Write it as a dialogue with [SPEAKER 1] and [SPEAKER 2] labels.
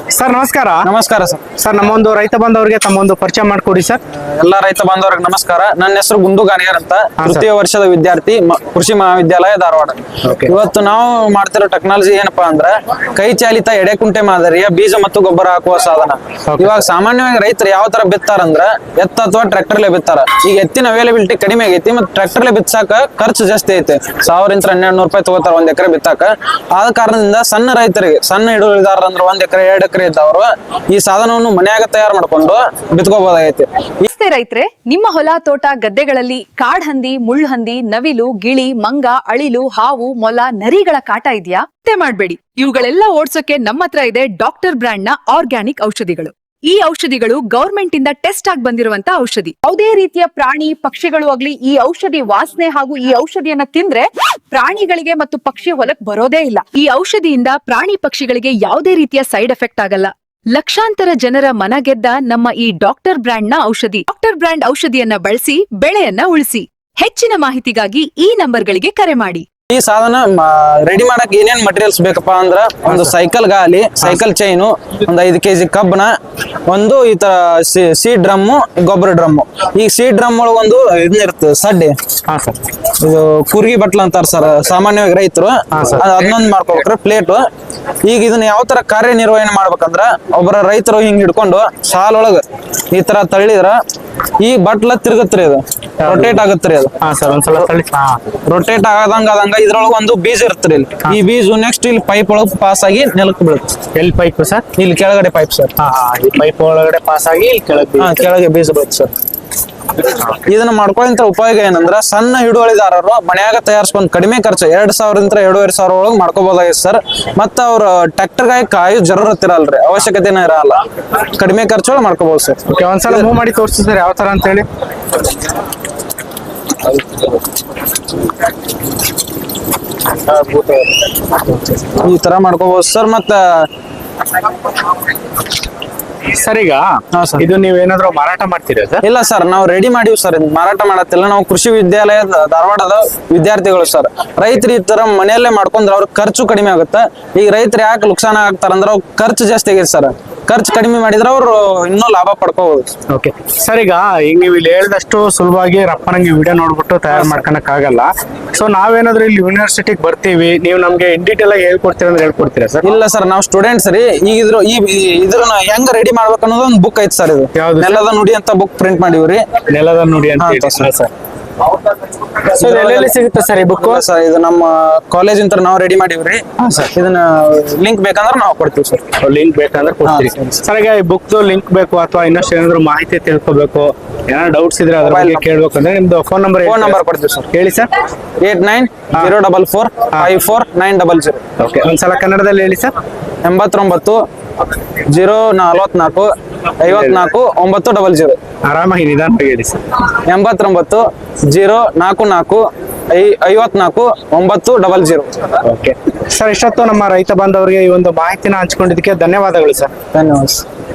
[SPEAKER 1] Sir ನಮಸ್ಕಾರ.
[SPEAKER 2] ನಮಸ್ಕಾರ sir.
[SPEAKER 1] Sir ನಮ್ಮೊಂದು ರೈತ ಬಾಂಧವರಿಗೆ ತಮ್ಮೊಂದು ಪರಿಚಯ ಮಾಡಿಕೊಡಿ ಸರ್.
[SPEAKER 2] ಎಲ್ಲಾ ರೈತ ಬಾಂಧವರಿಗೆ ನಮಸ್ಕಾರ. ನನ್ನ ಹೆಸರು ಗುಂಡು ಗಾಣಿಯರ್ ಅಂತ, ತೃತೀಯ ವರ್ಷದ ವಿದ್ಯಾರ್ಥಿ, ಕೃಷಿ ಮಹಾವಿದ್ಯಾಲಯ ಧಾರವಾಡ. ಇವತ್ತು ನಾವು ಮಾಡ್ತಿರೋ ಟೆಕ್ನಾಲಜಿ ಏನಪ್ಪಾ ಅಂದ್ರೆ ಕೈ ಚಾಲಿತ ಎಡೆಕುಂಟೆ ಮಾದರಿಯ ಬೀಜ ಮತ್ತು ಗೊಬ್ಬರ ಹಾಕುವ ಸಾಧನ. ಇವಾಗ ಸಾಮಾನ್ಯವಾಗಿ ರೈತರು ಯಾವ ತರ ಬಿತ್ತಾರಂದ್ರ ಎತ್ತ ಅಥವಾ ಟ್ರ್ಯಾಕ್ಟರ್ಲೆ ಬಿತ್ತಾರ. ಈಗ ಎತ್ತಿನ ಅವೈಲಬಿಲಿಟಿ ಕಡಿಮೆ ಆಗೈತಿ, ಮತ್ತೆ ಟ್ರ್ಯಾಕ್ಟರ್ಲೆ ಬಿತ್ತಾಕ ಖರ್ಚು ಜಾಸ್ತಿ ಐತಿ. 1000-1200 ರೂಪಾಯಿ ತಗೋತಾರ ಒಂದ್ ಎಕರೆ ಬಿತ್ತಾಕ. ಆದ ಕಾರಣದಿಂದ ಸಣ್ಣ ರೈತರಿಗೆ, ಸಣ್ಣ ಹಿಡುವಳಿದಾರ ಅಂದ್ರೆ 1 ಎಕರೆ 2 ಎಕರೆ ಇದ್ದವರು ಈ ಸಾಧನವನ್ನು ಮನ್ಯಾಗ ತಯಾರು ಮಾಡ್ಕೊಂಡು ಬಿತ್ಕೋಬಹುದಾಗೈತಿ.
[SPEAKER 3] ರೈತರೆ, ನಿಮ್ಮ ಹೊಲ ತೋಟ ಗದ್ದೆಗಳಲ್ಲಿ ಕಾಡ್ಹಂದಿ, ಮುಳ್ಳುಹಂದಿ, ನವಿಲು, ಗಿಳಿ, ಮಂಗ, ಅಳಿಲು, ಹಾವು, ಮೊಲ, ನರಿಗಳ ಕಾಟ ಇದೆಯಾ? ಮಾಡ್ಬೇಡಿ. ಇವುಗಳೆಲ್ಲ ಓಡ್ಸೋಕೆ ನಮ್ಮ ಹತ್ರ ಇದೆ ಡಾಕ್ಟರ್ ಬ್ರ್ಯಾಂಡ್ ನ ಆರ್ಗ್ಯಾನಿಕ್ ಔಷಧಿಗಳು. ಈ ಔಷಧಿಗಳು ಗವರ್ಮೆಂಟ್ ಇಂದ ಟೆಸ್ಟ್ ಆಗಿ ಬಂದಿರುವಂತ ಔಷಧಿ. ಯಾವುದೇ ರೀತಿಯ ಪ್ರಾಣಿ ಪಕ್ಷಿಗಳು ಆಗ್ಲಿ ಈ ಔಷಧಿ ವಾಸನೆ ಹಾಗೂ ಈ ಔಷಧಿಯನ್ನ ತಿಂದ್ರೆ ಪ್ರಾಣಿಗಳಿಗೆ ಮತ್ತು ಪಕ್ಷಿ ಹೊಲಕ್ ಬರೋದೇ ಇಲ್ಲ. ಈ ಔಷಧಿಯಿಂದ ಪ್ರಾಣಿ ಪಕ್ಷಿಗಳಿಗೆ ಯಾವುದೇ ರೀತಿಯ ಸೈಡ್ ಎಫೆಕ್ಟ್ ಆಗಲ್ಲ. ಲಕ್ಷಾಂತರ ಜನರ ಮನ ಗೆದ್ದ ನಮ್ಮ ಈ ಡಾಕ್ಟರ್ ಬ್ರ್ಯಾಂಡ್ ನ ಔಷಧಿ. ಡಾಕ್ಟರ್ ಬ್ರ್ಯಾಂಡ್ ಔಷಧಿಯನ್ನ ಬಳಸಿ ಬೆಳೆಯನ್ನ ಉಳಿಸಿ. ಹೆಚ್ಚಿನ ಮಾಹಿತಿಗಾಗಿ ಈ ನಂಬರ್ಗಳಿಗೆ ಕರೆ ಮಾಡಿ.
[SPEAKER 2] ಈ ಸಾಧನ ರೆಡಿ ಮಾಡಕ್ ಏನೇನ್ ಮಟೀರಿಯಲ್ಸ್ ಬೇಕಪ್ಪ ಅಂದ್ರ ಒಂದು ಸೈಕಲ್ ಗಾಲಿ, ಸೈಕಲ್ ಚೈನು, ಒಂದು 5 kg ಕಬ್ಬನ, ಒಂದು ಈ ತರ ಸೀಡ್ ಡ್ರಮ್ಮು, ಗೊಬ್ಬರ ಡ್ರಮ್ಮು. ಈ ಸೀಡ್ ಡ್ರಮ್ ಒಳಗೆ ಒಂದು ಇದನ್ನಿರ್ತದೆ ಸಡ್ಡೆ. ಇದು ಕುರ್ಗಿ ಬಟ್ಲ ಅಂತಾರ ಸರ್ ಸಾಮಾನ್ಯವಾಗಿ ರೈತರು. ಅದನ್ನೊಂದು ಮಾಡ್ಕೋಬೇಕ್ರೆ ಪ್ಲೇಟ್. ಈಗ ಇದನ್ನ ಯಾವ ತರ ಕಾರ್ಯನಿರ್ವಹಣೆ ಮಾಡ್ಬೇಕಂದ್ರ ಒಬ್ಬರ ರೈತರು ಹಿಂಗ್ ಹಿಡ್ಕೊಂಡು ಸಾಲೊಳಗ ಈ ತರ ತಳ್ಳಿದ್ರ ಈ ಬಟ್ಲ ತಿರುಗತ್ರಿ, ಇದು ರೊಟೇಟ್ ಆಗತ್ರಿ. ಅದು ರೊಟೇಟ್ ಆದಂಗ ಇದ್ರೊಳಗ ಒಂದು ಬೀಜ ಇರ್ತರಿ. ಈ ಬೀಜ ನೆಕ್ಸ್ಟ್ ಇಲ್ಲಿ ಪೈಪ್ ಒಳಗೆ ಪಾಸ್ ಆಗಿ ನೆಲಕ್ಕೆ ಬೀಳುತ್ತೆ.
[SPEAKER 1] ಎಲ್ಲಿ ಪೈಪ್ ಸರ್?
[SPEAKER 2] ಇಲ್ಲಿ ಕೆಳಗಡೆ ಪೈಪ್ ಸರ್.
[SPEAKER 1] ಈ ಪೈಪ್ ಒಳಗಡೆ ಪಾಸ್ ಆಗಿ ಇಲ್ಲಿ
[SPEAKER 2] ಕೆಳಗೆ ಬೀಜ ಬೀಳುತ್ತೆ ಸರ್. ಇದನ್ನ ಮಾಡ್ಕೊಳ್ಳೋ ಉಪಯೋಗ ಏನಂದ್ರ ಸಣ್ಣ ಹಿಡುವಳಿದಾರರು ಮನ್ಯಾಗ ತಯಾರಿಸ್ಕೊಂಡ್ ಕಡಿಮೆ ಖರ್ಚು 2000-2500 ಒಳಗೆ ಮಾಡ್ಕೋಬಹುದಾಗಿದೆ ಸರ್. ಮತ್ತ ಅವ್ರ ಟ್ರ್ಯಾಕ್ಟರ್ ಗಾಯ ಕಾಯೋ ಜರೂರತ್ ಇರಲ್ರಿ, ಅವಶ್ಯಕತೆನೇ ಇರಲ್ಲ. ಕಡಿಮೆ ಖರ್ಚೊಳಗೆ ಮಾಡ್ಕೋಬಹುದು ಸರ್.
[SPEAKER 1] ಒಂದ್ಸಲ ಮೂವ್ ಮಾಡಿ ತೋರಿಸ್ತೀವಿ ಸರ್ ಯಾವ ತರ ಅಂತ ಹೇಳಿ.
[SPEAKER 2] ಈ ತರ ಮಾಡ್ಕೋಬಹುದು ಸರ್. ಮತ್ತ
[SPEAKER 1] ಸರ್ ಈಗ ಇದು ನೀವೇನಾದ್ರೂ ಮಾರಾಟ ಮಾಡ್ತೀರಾ ಸರ್?
[SPEAKER 2] ಇಲ್ಲ ಸರ್, ನಾವು ರೆಡಿ ಮಾಡಿವಿ ಸರ್. ಮಾರಾಟ ಮಾಡತ್ತಿಲ್ಲ. ನಾವು ಕೃಷಿ ವಿದ್ಯಾಲಯದ ಧಾರವಾಡದ ವಿದ್ಯಾರ್ಥಿಗಳು ಸರ್. ರೈತರು ಈ ತರ ಮನೆಯಲ್ಲೇ ಮಾಡ್ಕೊಂಡ್ರೆ ಅವ್ರ ಖರ್ಚು ಕಡಿಮೆ ಆಗುತ್ತೆ. ಈಗ ರೈತರು ಯಾಕೆ ನುಕ್ಸಾನ ಆಗ್ತಾರಂದ್ರೆ ಅವ್ರ ಖರ್ಚು ಜಾಸ್ತಿ ಆಗೈತೆ ಸರ್. ಖರ್ಚು ಕಡಿಮೆ ಮಾಡಿದ್ರೆ ಅವ್ರು ಇನ್ನೂ ಲಾಭ ಪಡ್ಕೋಬಹುದು.
[SPEAKER 1] ಓಕೆ ಸರ್, ಈಗ ನೀವು ಇಲ್ಲಿ ಹೇಳಿದಷ್ಟು ಸುಲಭವಾಗಿ ರಪ್ಪನಂಗೆ ವಿಡಿಯೋ ನೋಡ್ಬಿಟ್ಟು ತಯಾರು ಮಾಡ್ಕೊಳಕ್ ಆಗಲ್ಲ. ಸೊ ನಾವೇನಾದ್ರೂ ಇಲ್ಲಿ ಯೂನಿವರ್ಸಿಟಿಗೆ ಬರ್ತೀವಿ, ನೀವು ನಮ್ಗೆ ಇನ್ ಡೀಟೇಲ್ ಆಗಿ ಹೇಳ್ಕೊಡ್ತೀರಾ ಅಂದ್ರೆ ಹೇಳ್ಕೊಡ್ತೀರಾ ಸರ್?
[SPEAKER 2] ಇಲ್ಲ ಸರ್, ನಾವು ಸ್ಟೂಡೆಂಟ್ಸ್ ರೀ. ಈಗ ಇದ್ರನ್ನ ಹೆಂಗ್ ರೆಡಿ ಮಾಡ್ಬೇಕು ಅನ್ನೋದು ಒಂದು ಬುಕ್ ಐತಿ ಸರ್. ಇದು ನೆಲದ ನುಡಿ ಅಂತ ಬುಕ್ ಪ್ರಿಂಟ್ ಮಾಡಿವ್ರಿ.
[SPEAKER 1] ನೆಲದ ನುಡಿ ಅಂತ ಸರ್. ಎಲ್ಲೆಲ್ಲಿ ಸಿಗುತ್ತೆ ಸರ್ ಈ ಬುಕ್?
[SPEAKER 2] ಸರ್ ಇದು ನಮ್ಮ ಕಾಲೇಜ್ ಅಂತ ನಾವು ರೆಡಿ ಮಾಡಿವ್ರಿ. ಇದನ್ನ ಲಿಂಕ್ ಬೇಕಂದ್ರೆ ನಾವು ಕೊಡ್ತೀವಿ ಸರ್.
[SPEAKER 1] ಲಿಂಕ್ ಬೇಕಂದ್ರೆ ಕೊಡ್ತೀವಿ ಸರ್. ಈಗ ಈ ಬುಕ್ ಲಿಂಕ್ ಬೇಕು ಅಥವಾ ಇನ್ನಷ್ಟು ಏನಾದ್ರು ಮಾಹಿತಿ ತಿಳ್ಕೊಬೇಕು, ಏನಾದ್ರು ಡೌಟ್ಸ್ ಇದ್ರೆ ಅದ್ರ ಬಗ್ಗೆ ಕೇಳ್ಬೇಕಂದ್ರೆ ನಿಮ್ದು ಫೋನ್ ನಂಬರ್
[SPEAKER 2] ಕೊಡ್ತೀವಿ ಸರ್.
[SPEAKER 1] ಹೇಳಿ ಸರ್.
[SPEAKER 2] 8904454900.
[SPEAKER 1] ಓಕೆ, ಒಂದ್ಸಲ ಕನ್ನಡದಲ್ಲಿ ಹೇಳಿ ಸರ್.
[SPEAKER 2] 89 044 54 900.
[SPEAKER 1] ಆರಾಮಾಗಿ ನಿಧಾನವಾಗಿ ಹೇಳಿ ಸರ್.
[SPEAKER 2] 89 044 54 900.
[SPEAKER 1] ಓಕೆ ಸರ್, ಇಷ್ಟೊತ್ತು ನಮ್ಮ ರೈತ ಬಾಂಧವರಿಗೆ ಈ ಒಂದು ಮಾಹಿತಿನ ಹಂಚ್ಕೊಂಡಿದ್ದಕ್ಕೆ ಧನ್ಯವಾದಗಳು ಸರ್.
[SPEAKER 2] ಧನ್ಯವಾದ.